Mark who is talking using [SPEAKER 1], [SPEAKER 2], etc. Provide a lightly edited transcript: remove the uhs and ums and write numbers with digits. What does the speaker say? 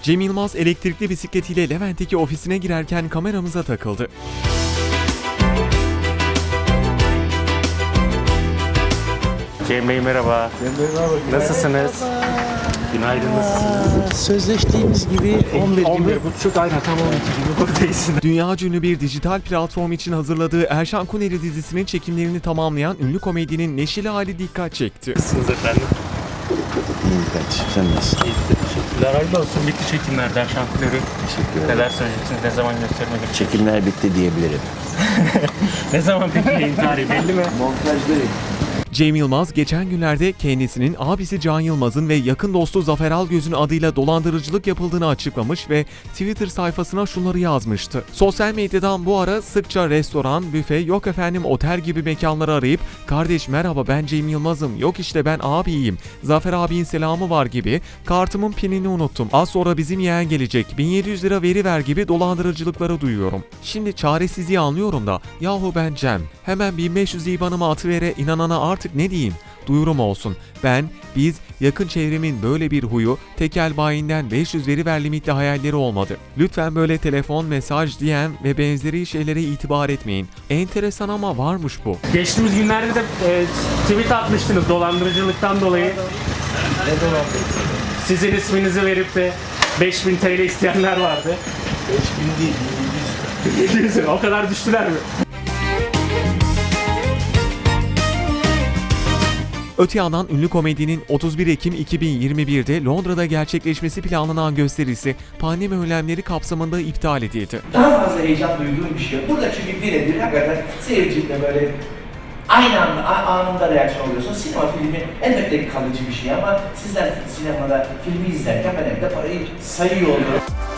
[SPEAKER 1] Cem Yılmaz elektrikli bisikletiyle Levent'teki ofisine girerken kameramıza takıldı.
[SPEAKER 2] Cem Bey merhaba.
[SPEAKER 3] Cem Bey merhaba.
[SPEAKER 2] Nasılsınız? Günaydın, nasılsınız?
[SPEAKER 3] Sözleştiğimiz gibi 11 gibi.
[SPEAKER 2] 11.30 aynen tam 12 gibi buradayız.
[SPEAKER 1] Dünya ünlü bir dijital platform için hazırladığı Erşan Kuneri dizisinin çekimlerini tamamlayan ünlü komedyenin neşeli hali dikkat çekti.
[SPEAKER 2] Nasılsınız efendim?
[SPEAKER 3] İyi kardeşim, sen nasılsın?
[SPEAKER 2] Teşekkürler. Hayırlı olsun. Bitti çekimlerden şampiyonu.
[SPEAKER 3] Teşekkür ederim.
[SPEAKER 2] Neler söyleyeceksiniz? Ne zaman gösterime girecek?
[SPEAKER 3] Çekimler bitti diyebilirim.
[SPEAKER 2] Ne zaman peki yayın tarihi belli mi?
[SPEAKER 3] Montajdayım.
[SPEAKER 1] Cem Yılmaz geçen günlerde kendisinin abisi Can Yılmaz'ın ve yakın dostu Zafer Algöz'ün adıyla dolandırıcılık yapıldığını açıklamış ve Twitter sayfasına şunları yazmıştı. Sosyal medyadan bu ara sıkça restoran, büfe, yok efendim otel gibi mekanları arayıp "Kardeş merhaba ben Cem Yılmaz'ım, yok işte ben abiyim, Zafer abinin selamı var" gibi "Kartımın pinini unuttum, az sonra bizim yeğen gelecek, 1700 lira veri ver" gibi dolandırıcılıkları duyuyorum. Şimdi çaresizliği anlıyorum da yahu ben Cem, hemen 1500 IBAN'ıma atıvere, inanana artık ne diyeyim? Duyurum olsun. Biz yakın çevremin böyle bir huyu tekel bayinden 500 veri ver limitli hayalleri olmadı. Lütfen böyle telefon, mesaj, DM ve benzeri şeylere itibar etmeyin. Enteresan ama varmış bu.
[SPEAKER 2] Geçtiğimiz günlerde de tweet atmıştınız dolandırıcılıktan dolayı.
[SPEAKER 3] Ne dolandırıcılık?
[SPEAKER 2] Sizin isminizi verip de 5000 TL isteyenler vardı.
[SPEAKER 3] 5000 değil,
[SPEAKER 2] 700 o kadar düştüler mi?
[SPEAKER 1] Öte yandan ünlü komedyenin 31 Ekim 2021'de Londra'da gerçekleşmesi planlanan gösterisi pandemi önlemleri kapsamında iptal edildi.
[SPEAKER 4] Daha fazla heyecan duyduğum bir şey. Burada çünkü birebir hakikaten seyirciyle böyle aynı anda, anında reaksiyon oluyorsun. Sinema filmi elbette kalıcı bir şey ama sizler sinemada filmi izlerken ben evde parayı sayıyor oluyorum.